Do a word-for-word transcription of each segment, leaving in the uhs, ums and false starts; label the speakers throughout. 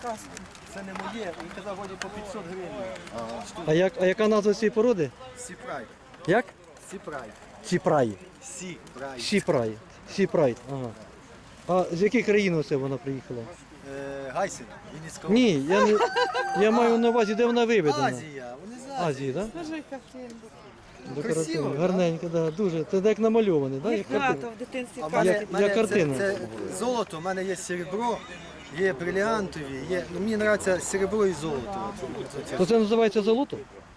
Speaker 1: Казку.
Speaker 2: Це не моє, він казав, годі по п'ятсот гривень.
Speaker 3: А, як, а яка назва цієї породи?
Speaker 2: Сіпрай.
Speaker 3: Як?
Speaker 2: Сіпрай.
Speaker 3: Сіпрай.
Speaker 2: Сіпрай.
Speaker 3: Сіпрай. Сіпрай. Ага. А з якої країни це вона приїхала?
Speaker 2: Е, Гайсин, Вінницька.
Speaker 3: Ні, я, не, я маю на увазі, де вона виведена.
Speaker 2: Азія, вони з Азії.
Speaker 3: Азії, так?
Speaker 1: Скажи, як він.
Speaker 3: Декоративно.
Speaker 2: Красиво,
Speaker 3: Гарненько, так, да, дуже. Це як намальований, так?
Speaker 1: Їх багато в дитинстві
Speaker 2: А в
Speaker 1: казки.
Speaker 2: мене,
Speaker 3: Як-
Speaker 2: мене
Speaker 3: як картина.
Speaker 2: Це, це золото, в мене є серебро, є бриліантові, є, ну, мені подобається серебро і золото. Оце-
Speaker 3: То це називається золото?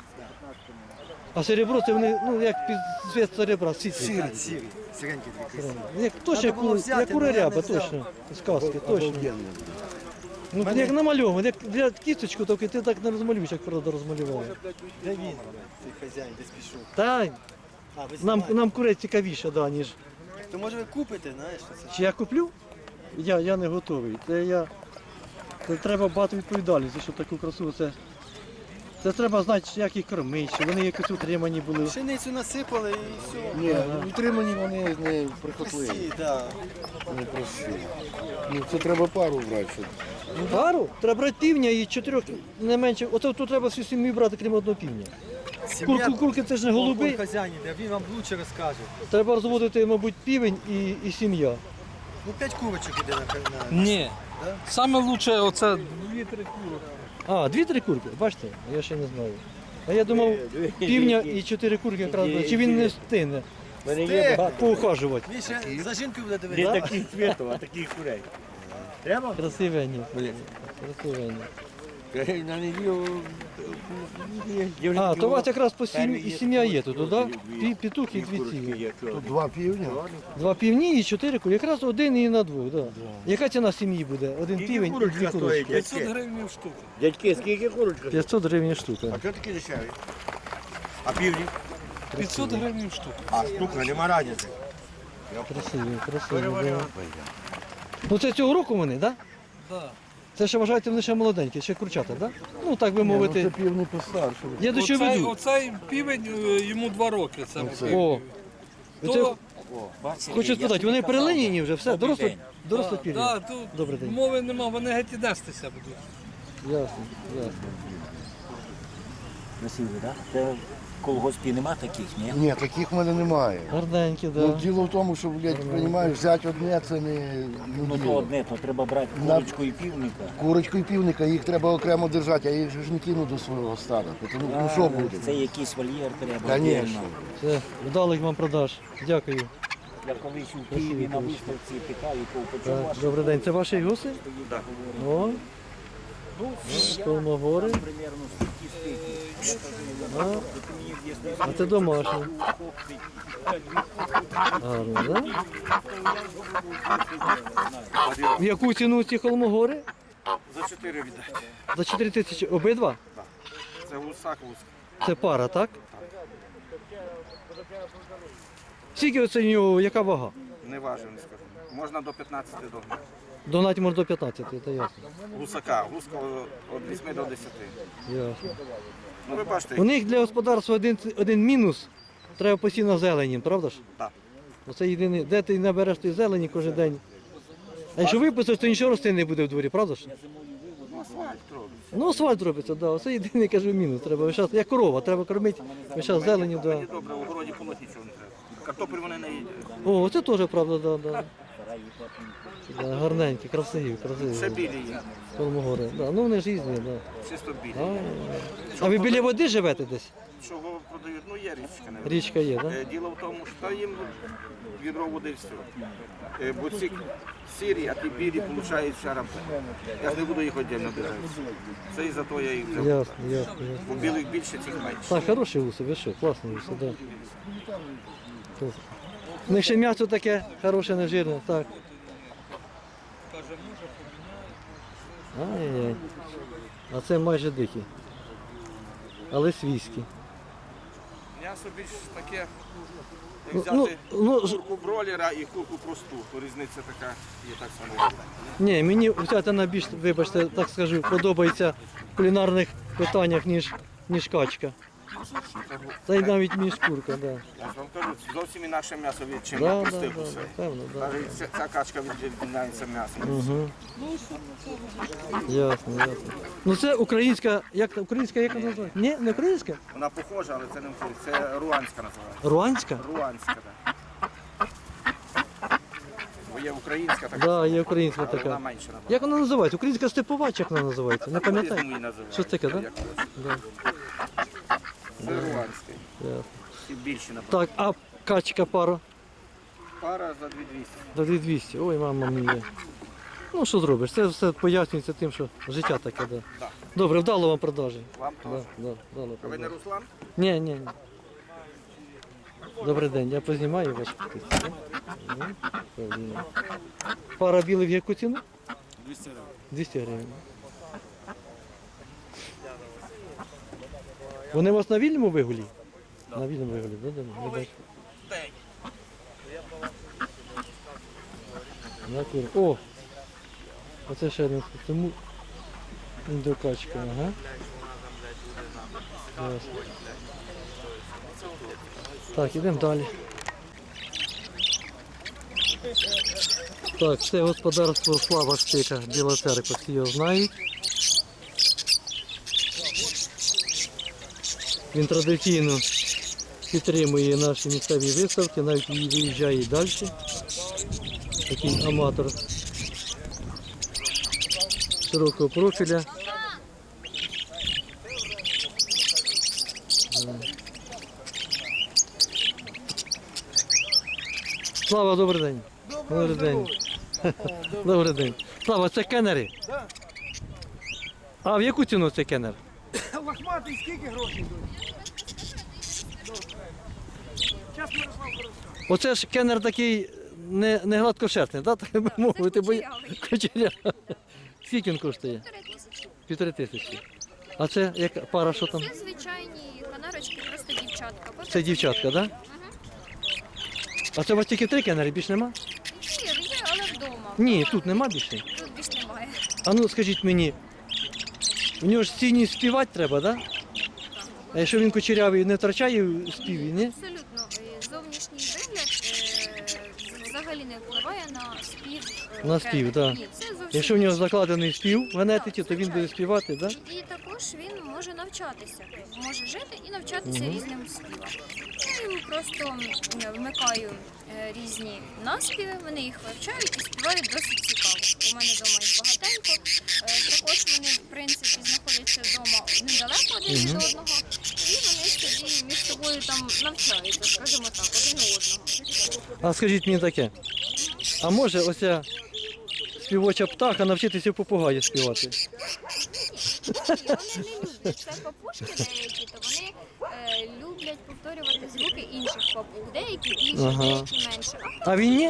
Speaker 3: А серебро це вони, ну як під цвіт серебра, світлі.
Speaker 2: Сірі, сірі, сіренькі такі красиві.
Speaker 3: Як точно,
Speaker 2: Треба
Speaker 3: як,
Speaker 2: було
Speaker 3: у-
Speaker 2: взяти,
Speaker 3: як у
Speaker 2: але я не
Speaker 3: ряба,
Speaker 2: взяв.
Speaker 3: точно. З казки, точно. Ну,
Speaker 2: Мене-
Speaker 3: як намальований, як для кісточку, тільки ти так не розмалюєш, як правда розмалював.
Speaker 2: Де він, цей хазяїн, десь пішов.
Speaker 3: Та,
Speaker 2: А, ви
Speaker 3: нам,
Speaker 2: знімаєте.
Speaker 3: нам курець цікавіше, да, ніж.
Speaker 2: То може ви купите, знаєш, що це?
Speaker 3: Чи я куплю? Я, я не готовий. Це я. Це треба багато відповідальності, щоб таку красу. Це, це треба знати, як їх кормити, щоб вони якось утримані були.
Speaker 2: Пшеницю насипали і все.
Speaker 4: Ні, утримані вони не прихотливі,
Speaker 2: Прості, да.
Speaker 4: не прості. Ну, це треба пару брати. щоб-
Speaker 3: Пару? Треба брати півня і чотирьох не менше. Оце тут треба всю сім'ю брати, крім одного півня.
Speaker 2: Сім'я-
Speaker 3: Курку, курки це ж не голуби.
Speaker 2: Он хазяїн іде, він вам лучше розкаже.
Speaker 3: Треба розводити, мабуть, півень і, і сім'я.
Speaker 2: Ну, п'ять курочок іде на, на...
Speaker 5: Ні.
Speaker 2: Да?
Speaker 5: Саме лучше оце дві-три курок.
Speaker 3: А, дві-три курки, бачите, я ще не знаю. А я думав, півня і чотири курки якраз, чи він не встигне
Speaker 2: Стих!
Speaker 3: поухажувати.
Speaker 2: Він ще за жінкою буде
Speaker 6: Не
Speaker 2: дивитися.
Speaker 6: таких цветов, а таких курей. Треба?
Speaker 3: Красивенні, красивенні.
Speaker 6: На неділю
Speaker 3: А, то у вас якраз по сім... і сім'я є тут, так? Пі- Петух і дві ці.
Speaker 4: Тут два півня.
Speaker 3: Два півні і чотири курки. Якраз один і на двох, так. Яка ціна сім'ї буде? Один
Speaker 6: Скільки
Speaker 3: півень і дві
Speaker 6: курочка стоїть?
Speaker 3: курочки.
Speaker 5: п'ятсот гривень штука.
Speaker 6: Дядьки, скільки курочка?
Speaker 3: п'ятсот гривень штука.
Speaker 6: А чого такі дешеві? А півні?
Speaker 5: п'ятсот гривень штука.
Speaker 6: А штука, нема різниці.
Speaker 3: Красиві, красиві, да. Ну це цього року вони, так?
Speaker 5: Да.
Speaker 3: Це ще вважаєте, вони ще молоденькі, ще курчата, так? Ну так би
Speaker 4: Ну,
Speaker 3: мовити.
Speaker 4: це півні постарше.
Speaker 3: Я до чого
Speaker 5: Оцей,
Speaker 3: веду.
Speaker 5: оцей півень е, йому два роки. Це
Speaker 3: О,
Speaker 5: То,
Speaker 3: це, хочу спитати, вони перелиняні вже, все, доросло, доросло
Speaker 5: да,
Speaker 3: пір'я.
Speaker 5: да, тут
Speaker 3: Добрий день.
Speaker 5: мови нема, вони геть і нестися будуть.
Speaker 3: Ясно, ясно.
Speaker 7: Красиві, так? Це в колгоспі нема таких, ні?
Speaker 4: Ні, таких в мене немає.
Speaker 3: Гарненькі,
Speaker 4: Ну,
Speaker 3: да.
Speaker 4: діло в тому, що, блядь, розумієш, взяти одне це не,
Speaker 7: Ну
Speaker 4: не
Speaker 7: то
Speaker 4: діло.
Speaker 7: одне, то треба брати курочку і півника.
Speaker 4: Курочку і півника, їх треба окремо держати, а їх же ж не кину до свого стада. Тому, ну що буде?
Speaker 7: Це якийсь вольєр треба.
Speaker 4: Конечно.
Speaker 7: отдельно.
Speaker 3: Все, вдалих вам продаж. Дякую.
Speaker 7: Я колись у Києві на виставці питав, якого почав
Speaker 3: Так,
Speaker 7: ваш.
Speaker 3: добрий день, це ваші гуси? Так. О,
Speaker 7: Ну, я
Speaker 3: Колмогори.
Speaker 7: примерно стільки стільки.
Speaker 3: А, а це домашні. Гарно, так? В яку ціну ці холмогори?
Speaker 8: За чотири віддати.
Speaker 3: За чотири тисячі обидва?
Speaker 8: Це гусак вузька.
Speaker 3: Це пара, так? Скільки оце в нього, яка вага?
Speaker 8: Не важив, не скажу. Можна до п'ятнадцяти догнати.
Speaker 3: Донать може до п'ятнадцяти, це ясно.
Speaker 8: Гусака, гуска від вісьми до десяти.
Speaker 3: Ясно.
Speaker 8: Ну ви бачите,
Speaker 3: У них для господарства один, один мінус, треба постійно зелені, правда ж?
Speaker 8: Так.
Speaker 3: Оце єдине, де ти набереш той зелені кожен день. А якщо випустиш, то нічого рости не буде в дворі, правда ж?
Speaker 8: ну, асфальт робить.
Speaker 3: Ну асфальт робиться, да. Оце єдиний, кажу, мінус. Треба весь час, як корова, треба кормити весь час зеленю, да.
Speaker 8: Мені добре, у городі полоть нічого не треба. Картоплю вони не їдять.
Speaker 3: О, це теж правда, да, да. Да, гарненькі, красиві, красиві.
Speaker 8: Ще білі є,
Speaker 3: Холмогори. Да. Ну вони ж різні, да.
Speaker 8: чисто білі.
Speaker 3: А, а ви біля води живете десь?
Speaker 8: Чого продають? Ну є річка, не
Speaker 3: Річка є, так?
Speaker 8: Е, Діло в тому, що їм відро води і все. Е, Бо ці сірі, а ті білі получають шарапи. Я ж не буду їх віддільно дивитися. Це і за то я їх
Speaker 3: Да?
Speaker 8: взяв.
Speaker 3: Ясно, ясно, ясно.
Speaker 8: Бо білих більше, цих менше.
Speaker 3: Так, хороші гуси, ви що, класні гуси, так. Да. У них ще м'ясо таке хороше, не жирне, так. Ай-яй-яй. А це майже дикі. Але свійські.
Speaker 8: М'ясо більш таке,
Speaker 3: Ну,
Speaker 8: як
Speaker 3: ну,
Speaker 8: взяти
Speaker 3: ну, ж-
Speaker 8: курку бройлера і курку просту, то різниця така є так само.
Speaker 3: ні, мені ця тена більш, вибачте, так скажу, подобається в кулінарних питаннях, ніж, ніж качка. Та й навіть між шкурка, так. Да.
Speaker 8: Я ж вам кажу, зовсім інакше м'ясо від чим
Speaker 3: Да,
Speaker 8: я
Speaker 3: да,
Speaker 8: пустив
Speaker 3: да,
Speaker 8: усе.
Speaker 3: певно, да.
Speaker 8: Навіть ця, ця качка відрізняється м'ясом.
Speaker 3: Угу. Ясно, ясно. Ну це українська, як українська, як вона називається? Ні, не українська?
Speaker 8: Вона похожа, але це не українська, це руанська називається.
Speaker 3: Руанська?
Speaker 8: Руанська, так. Бо є українська така,
Speaker 3: Так, да, є українська
Speaker 8: але вона
Speaker 3: така.
Speaker 8: менше набагато.
Speaker 3: Як вона називається? Українська степова, чи як вона називається? Не пам'ятаю.
Speaker 8: По-різному її називають.
Speaker 3: Щось таке, так?
Speaker 8: Як ось.
Speaker 3: Да?
Speaker 8: Це руанський.
Speaker 3: Ясно.
Speaker 8: І більше, напевно.
Speaker 3: Так, а качка пара?
Speaker 8: Пара за дві двісті.
Speaker 3: За дві двісті. Ой, мама мія. Ну що зробиш? Це все пояснюється тим, що життя таке, да.
Speaker 8: Да.
Speaker 3: Добре, вдало вам продажі.
Speaker 8: Вам
Speaker 3: Да,
Speaker 8: теж.
Speaker 3: да, вдало
Speaker 8: А ви не
Speaker 3: продажі.
Speaker 8: Руслан?
Speaker 3: Ні, ні, ні. Добрий день, я познімаю вашу птицю. Ну, правильно. Пара білих в яку ціну?
Speaker 8: двісті гривень.
Speaker 3: двісті гривень. Вони у вас на вільному вигулі? На вільному вигулі, да, да, не бачу. На кур. О! Оце ще один тому індокачка, ага. Ясно. Так, ідемо далі. Так, це господарство Слава Штика, Біла Церква, всі його знають. Він традиційно підтримує наші місцеві виставки, навіть виїжджає і далі. Такий аматор широкого профіля. Слава, добрий день. Добрий день. Добрий день. Слава, це кенери?
Speaker 2: Так.
Speaker 3: А в яку ціну цей кенер?
Speaker 2: Лохматий скільки грошей йдуть? Час Мирослав хорошо.
Speaker 3: Оце ж кенер такий не, не гладкошерстний, так так би мовити, бо я- кучерявий. Скільки він коштує? Півтори тисячі. А це як пара, що там?
Speaker 1: Це звичайні канарочки, просто дівчатка. По
Speaker 3: Це дівчатка, так? Да? А це у вас тільки три кенери, більш нема?
Speaker 1: Є, є, але вдома.
Speaker 3: Ні, тут нема більше.
Speaker 1: Тут більш немає.
Speaker 3: А ну скажіть мені, у нього ж сіній співати треба, так? Да? А якщо він кучерявий, не втрачає в співі, ні?
Speaker 1: Абсолютно. Е, Зовнішній вигляд е, взагалі не впливає на спів. е,
Speaker 3: На спів,
Speaker 1: кеннера.
Speaker 3: так.
Speaker 1: Ні, це зовсім
Speaker 3: Якщо в нього
Speaker 1: інше.
Speaker 3: закладений спів в генетиці, то він буде співати, так? Да?
Speaker 1: І також він може навчатися, може жити і навчатися
Speaker 3: Мгм.
Speaker 1: різним співам. Я йому просто м, вмикаю е, різні наспіви, вони їх вивчають і співають досить цікаво. У мене вдома їх багатенько. Е, Також вони, в принципі, знаходяться вдома недалеко один від
Speaker 3: Мгм.
Speaker 1: одного, і вони собі між собою там навчаються, скажімо так, один у одного.
Speaker 3: А скажіть мені таке, а може оця співоча птаха навчитися в попугая співати?
Speaker 1: Ні, вони не люблять. Це папушки деякі, то вони е, люблять повторювати звуки інших папуг. Деякі більше,
Speaker 3: Ага.
Speaker 1: деякі менше. А
Speaker 3: А він ні?
Speaker 1: ні,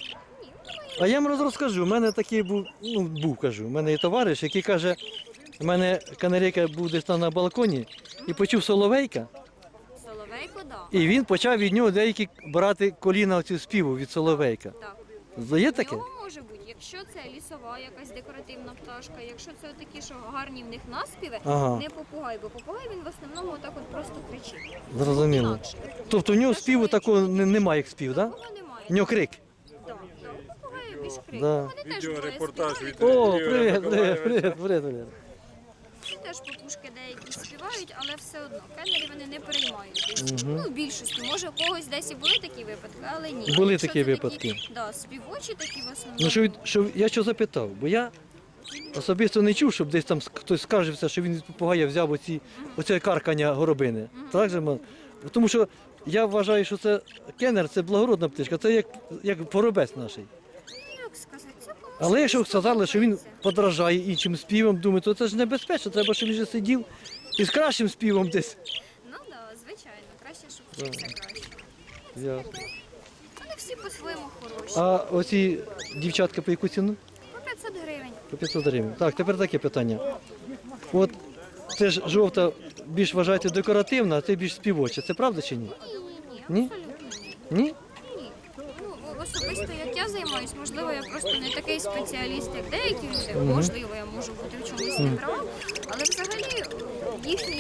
Speaker 3: А я вам розкажу, у мене такий був, ну був, кажу, у мене є товариш, який каже, у мене канарейка був десь там на балконі і почув соловейка,
Speaker 1: соловейко, да.
Speaker 3: і він почав від нього деякі брати коліна цю співу від соловейка.
Speaker 1: Так.
Speaker 3: Є
Speaker 1: В
Speaker 3: таке?
Speaker 1: нього може бути, якщо це лісова якась декоративна пташка, якщо це такі, що гарні в них наспіви,
Speaker 3: Ага.
Speaker 1: не попугай, бо попугай він в основному отак от просто кричить.
Speaker 3: Зрозуміло.
Speaker 1: Інакше.
Speaker 3: Тобто в нього співу такого не- немає, як спів, так? Да?
Speaker 1: Попугая немає.
Speaker 3: В нього крик.
Speaker 1: Так, так. У попугаю більш крик.
Speaker 3: Да.
Speaker 1: Вони теж буває співають.
Speaker 3: О, привіт, привіт, привіт, привіт, привіт.
Speaker 1: Вони теж попушки деякі співають, але все одно кеннері вони не переймають.
Speaker 3: Мгм.
Speaker 1: Ну, в більшості. Може, у когось десь і були такі випадки, але ні.
Speaker 3: Були
Speaker 1: Якщо
Speaker 3: такі
Speaker 1: це
Speaker 3: випадки.
Speaker 1: Да, співочі такі в основному.
Speaker 3: Ну що, від- що я що запитав, бо я особисто не чув, щоб десь там ск- хтось скаржився, що він від попугая взяв оці, оце каркання горобини. Так же, ма- тому що я вважаю, що це кеннер, це благородна птичка, це як, як поробець наш.
Speaker 1: Ну, як сказати, це комусь
Speaker 3: Але якщо сказали, що він
Speaker 1: подобається.
Speaker 3: подражає іншим співам, думаю, то це ж небезпечно, треба, щоб він вже сидів із кращим співом десь.
Speaker 1: Ну так, да, звичайно, краще, щоб вчився краще.
Speaker 3: Ясно.
Speaker 1: Вони всі по-своєму хороші.
Speaker 3: А оці дівчатка по яку ціну?
Speaker 1: По п'ятсот гривень.
Speaker 3: По п'ятсот гривень. Так, тепер таке питання. От це ж жовта більш вважаєте декоративна, а це більш співоча. Це правда чи ні?
Speaker 1: Ні, ні,
Speaker 3: Ні?
Speaker 1: ні, абсолютно ні.
Speaker 3: Ні?
Speaker 1: Ні. Ну, особисто як я займаюсь, можливо, я просто не такий спеціаліст, як деякі люди. Можливо, я можу бути в чомусь не права, але взагалі їхній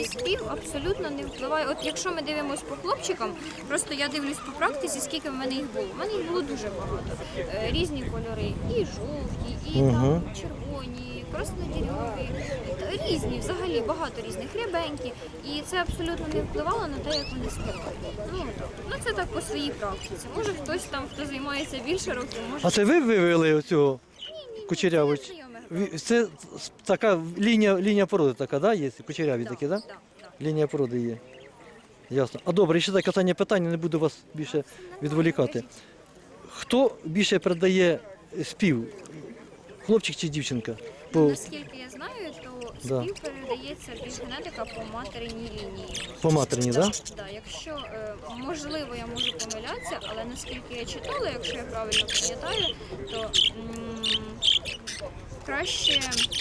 Speaker 1: спів абсолютно не впливає. От якщо ми дивимося по хлопчикам, просто я дивлюсь по практиці, скільки в мене їх було. У мене їх було дуже багато. Е, Різні кольори, і жовті, і
Speaker 3: Мгм.
Speaker 1: там червоні, краснодірьові, е, різні, взагалі багато різних, рябенькі. І це абсолютно не впливало на те, як вони співають. Ну, так. Ну це так по своїй практиці. Може хтось там, хто займається більше років, може.
Speaker 3: А це ви вивели оцього кучеряву?
Speaker 1: Це знайоме грав.
Speaker 3: Ві- Це така лінія, лінія породи така, да, є? Кучеряві такі, да?
Speaker 1: Да, да.
Speaker 3: Лінія породи є. Ясно. А добре, ще таке останнє питання, не буду вас більше відволікати. Хто більше передає спів? Хлопчик чи дівчинка? По,
Speaker 1: Наскільки я знаю, то
Speaker 3: Да.
Speaker 1: спів передається більш генетика по материнній лінії.
Speaker 3: по матері, так? Да?
Speaker 1: Да, якщо е, можливо, я можу помилятися, але наскільки я читала, якщо я правильно пам'ятаю, то м, краще,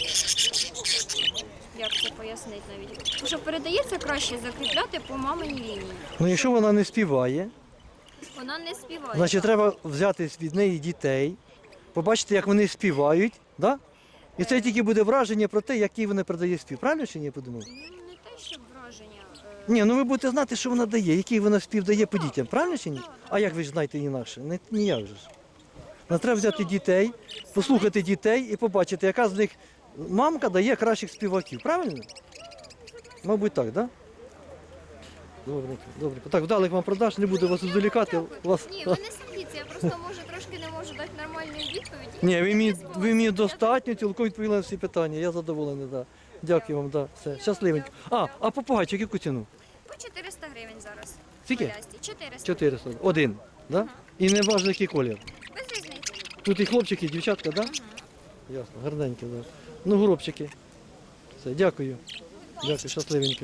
Speaker 1: як це пояснити навіть, що передається краще закріпляти по маминій лінії.
Speaker 3: Ну якщо вона не співає,
Speaker 1: Вона не співає.
Speaker 3: значить
Speaker 1: так.
Speaker 3: треба взяти від неї дітей, побачити, як вони співають, да? І це тільки буде враження про те, який вона передає спів. Правильно чи ні, я подумав?
Speaker 1: Ну, не те, що враження. е,
Speaker 3: Ні, ну ви будете знати, що вона дає, який вона спів дає по дітям, правильно чи ні? А як ви ж знаєте інакше? Не, ніяк же ж. Нам треба взяти дітей, послухати дітей і побачити, яка з них мамка дає кращих співаків, правильно? Мабуть так, так? Да? Добре, добре. Так, вдалих вам продаж, не буду вас відволікати. Вас...
Speaker 1: Ні, ви не сердіться, я просто може трошки не можу дати нормальної відповіді.
Speaker 3: Ні, ви мені,
Speaker 1: Я
Speaker 3: ви мені
Speaker 1: я
Speaker 3: достатньо, цілком відповіли на всі питання. Я задоволений, да. Дякую вам, да. Все, щасливенько. А, а попугайчик яку ціну?
Speaker 1: По чотириста гривень зараз.
Speaker 3: Скільки?
Speaker 1: Полясті. чотириста.
Speaker 3: чотириста. Один, да? І не важливо, який колір.
Speaker 1: Без різниці.
Speaker 3: Тут і хлопчики, і дівчатка, да? Ясно, гарненькі, да. Ну, горобчики. Все, дякую. Дякую, щасливенько.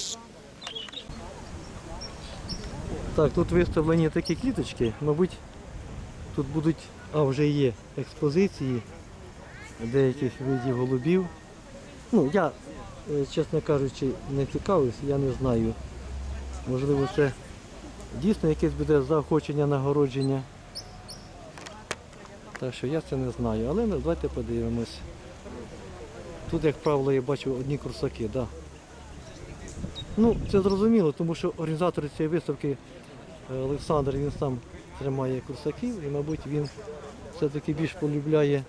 Speaker 3: Так, тут виставлені такі кліточки, мабуть, тут будуть, а вже є експозиції деяких видів голубів. Ну, я, е, чесно кажучи, не цікавився, я не знаю. Можливо, це дійсно якесь буде заохочення, нагородження. Так що я це не знаю, але ну, давайте подивимось. Тут, як правило, я бачу одні курсаки, да. Ну, це зрозуміло, тому що організатор цієї виставки е, Олександр, він сам тримає курсаків і, мабуть, він все-таки більш полюбляє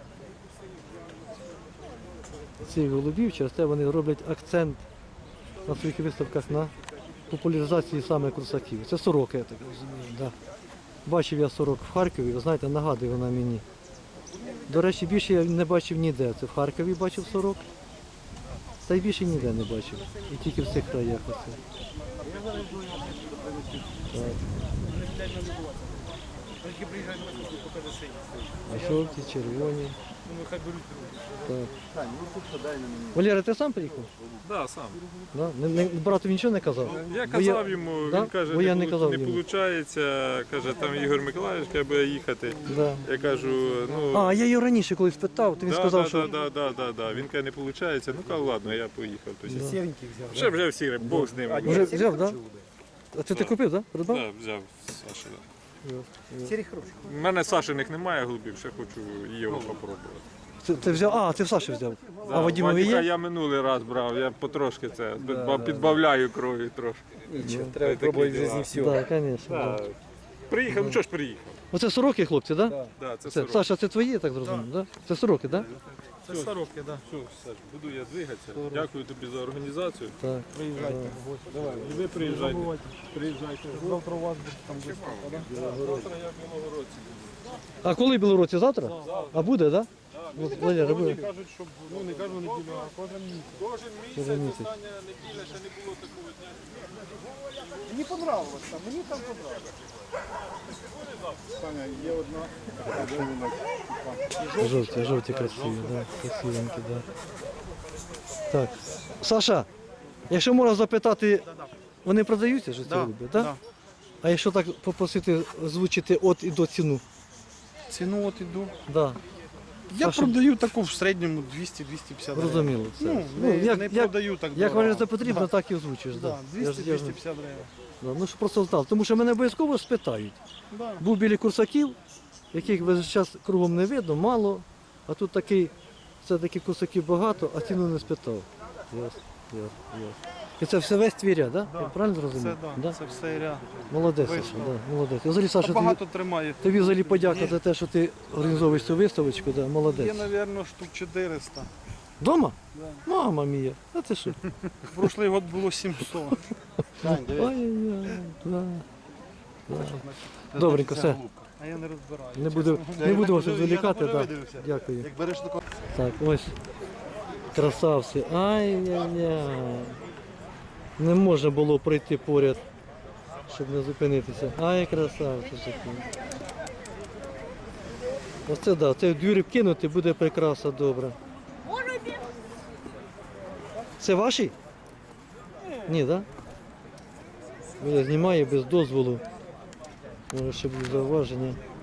Speaker 3: цих голубів, через те вони роблять акцент на своїх виставках на популяризації саме курсаків. Це сорока, я так розумію. Да. Бачив я сорок в Харкові, ви знаєте, нагадує вона мені. До речі, більше я не бачив ніде. Це в Харкові бачив сорок, та й більше ніде не бачив. І тільки в цих краях оце. Так. А жовті, червоні. Так. Валера, ти сам приїхав?
Speaker 5: Да, сам.
Speaker 3: Да? Не, не, брату нічого не казав?
Speaker 5: Я
Speaker 3: Бо
Speaker 5: казав йому,
Speaker 3: Да?
Speaker 5: він каже,
Speaker 3: Бо я
Speaker 5: не,
Speaker 3: не
Speaker 5: полу-
Speaker 3: казав
Speaker 5: не
Speaker 3: йому.
Speaker 5: виходить, каже, там Ігор Миколаївич треба їхати.
Speaker 3: Да.
Speaker 5: Я кажу, ну...
Speaker 3: А, я його раніше колись питав, то він
Speaker 5: да,
Speaker 3: сказав,
Speaker 5: да,
Speaker 3: що...
Speaker 5: да, да, да, да. Він каже, не виходить. Ну, кажу, ладно, я поїхав. Тобто,
Speaker 2: Сіреньких взяв.
Speaker 5: Вже вже всі, Бог з ним.
Speaker 3: Вже взяв, так? Да? А це ти купив, так? Да? Придбав?
Speaker 5: Да, взяв Саша.
Speaker 2: Сірі хороші.
Speaker 5: У мене Сашиних немає голубів, ще хочу його попробувати.
Speaker 3: Це, ти взяв? А, ти в Саші взяв. А
Speaker 5: Да,
Speaker 3: Вадимові
Speaker 5: Вадика
Speaker 3: є?
Speaker 5: я минулий раз брав, я потрошки це підба- підбавляю крові трошки.
Speaker 6: Треба пробувати в житті все.
Speaker 3: Так, звісно.
Speaker 5: Да.
Speaker 3: Да.
Speaker 5: Приїхав, ну що ж приїхав?
Speaker 3: Оце сороки, хлопці, так? Да?
Speaker 5: Да, це
Speaker 3: Це,
Speaker 5: сорок.
Speaker 3: Саша, це твої, я так зрозумів, да? Це сороки, так?
Speaker 5: Це сороки, так. Все, Саш, буду я двигатися. Дякую тобі за організацію.
Speaker 3: Так.
Speaker 5: Приїжджайте. Давай, і ви приїжджайте. Приїжджайте. Завтра у вас буде там виставка, так? Завтра я в Білогородці.
Speaker 3: А коли Білорусі? Завтра? А буде, так? Да? Валера, буде.
Speaker 5: Кажуть, щоб, ну не кожну неділю, а кожен місяць. Кожен місяць,
Speaker 3: Кожен місяць.
Speaker 5: остання неділя, ще не було такого дня.
Speaker 2: Мені понравилось там, мені там понравилось.
Speaker 5: Саня, є одна.
Speaker 3: Жовті, жовті красиві, да, красивенькі, да. Так. Саша, якщо можна запитати, вони продаються ж ці
Speaker 9: Да,
Speaker 3: голуби, так?
Speaker 9: да.
Speaker 3: А якщо так попросити озвучити от і до ціну?
Speaker 9: Ціну от іду.
Speaker 3: Да.
Speaker 9: Я
Speaker 3: Саша-
Speaker 9: продаю таку в середньому двісті - двісті п'ятдесят гривень.
Speaker 3: Зрозуміло. Це.
Speaker 9: Ну,
Speaker 3: Ну,
Speaker 9: не,
Speaker 3: як-
Speaker 9: не
Speaker 3: як-
Speaker 9: продаю так
Speaker 3: Як
Speaker 9: дорого.
Speaker 3: вважається потрібно,
Speaker 9: Да.
Speaker 3: так і озвучиш.
Speaker 9: Да,
Speaker 3: Да. Я
Speaker 9: двісті
Speaker 3: ж-
Speaker 9: -
Speaker 3: я ж-
Speaker 9: двісті п'ятдесят гривень.
Speaker 3: Да. Ну, щоб просто знав. Тому що мене обов'язково спитають.
Speaker 9: Да.
Speaker 3: Був біля курсаків, яких весь час кругом не видно, мало, а тут такий, все-таки курсаків багато, а ціну не спитав. Ясно, ясно, ясно. І це все весь твій ряд, да?
Speaker 9: Да.
Speaker 3: Я правильно
Speaker 9: Це,
Speaker 3: зрозумів?
Speaker 9: да, це все ряд.
Speaker 3: Молодець,
Speaker 9: вийшло.
Speaker 3: Саша, да, молодець. Я взагалі, Саша,
Speaker 9: Та
Speaker 3: тобі,
Speaker 9: багато тримає.
Speaker 3: тобі взагалі подяка за те, що ти організовуєш цю виставочку, да, молодець.
Speaker 9: Є, мабуть, штук чотириста.
Speaker 3: Дома?
Speaker 9: Да.
Speaker 3: Мама мія, а ти що?
Speaker 9: Прошлий год було сімсот.
Speaker 3: Ой-ой-ой, да. Да. Добренько, все.
Speaker 9: А я не розбираю.
Speaker 3: Не буду, не буду вас відволікати, да. Дякую.
Speaker 4: Як береш таку.
Speaker 3: Так, ось. Красавці. Ай-яй-яй. Не можна було пройти поряд, щоб не зупинитися. Ай, красавці такі. Оце так, да. Це в двір кинути буде прикраса добра. Це ваші? Ні, так? Да? Я знімаю без дозволу. Може ще буде зауваження.